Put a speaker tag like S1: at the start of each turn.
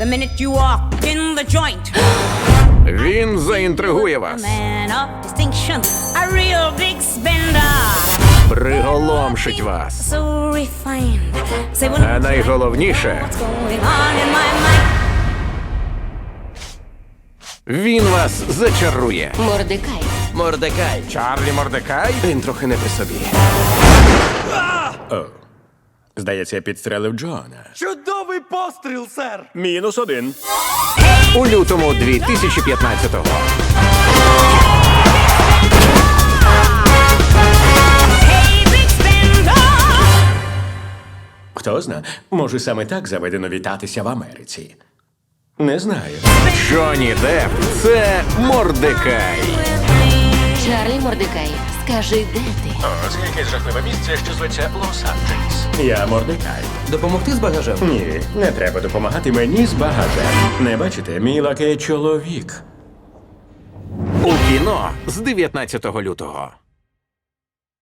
S1: The minute you walk in the joint,
S2: Він заінтригує
S1: a
S2: вас.
S1: man of distinction, a real big spender.
S2: Приголомшить вас.
S1: So refined. Say when
S2: А найголовніше,
S1: what's going on in my mind.
S2: він вас зачарує.
S3: Мордекай.
S4: Мордекай.
S2: Чарлі Мордекай?
S4: Він трохи не при собі.
S5: Здається, я підстрелив Джона.
S4: Чудовий постріл, сер!
S5: -1.
S2: У лютому 2015-го.
S1: Hey, big spender.
S5: Хто зна, може саме так заведено вітатися в Америці. Не знаю.
S2: Джонні Депп – це Мордекай.
S3: Чарлі Мордекай, скажи, де ти?
S5: О, це якесь жахливе місце, що зветься Лос-Анджелес. Я Мордекай.
S4: Допомогти з багажем?
S5: Ні, не треба допомагати мені з багажем. Не бачите, мій лакей чоловік.
S2: У кіно з 19 лютого.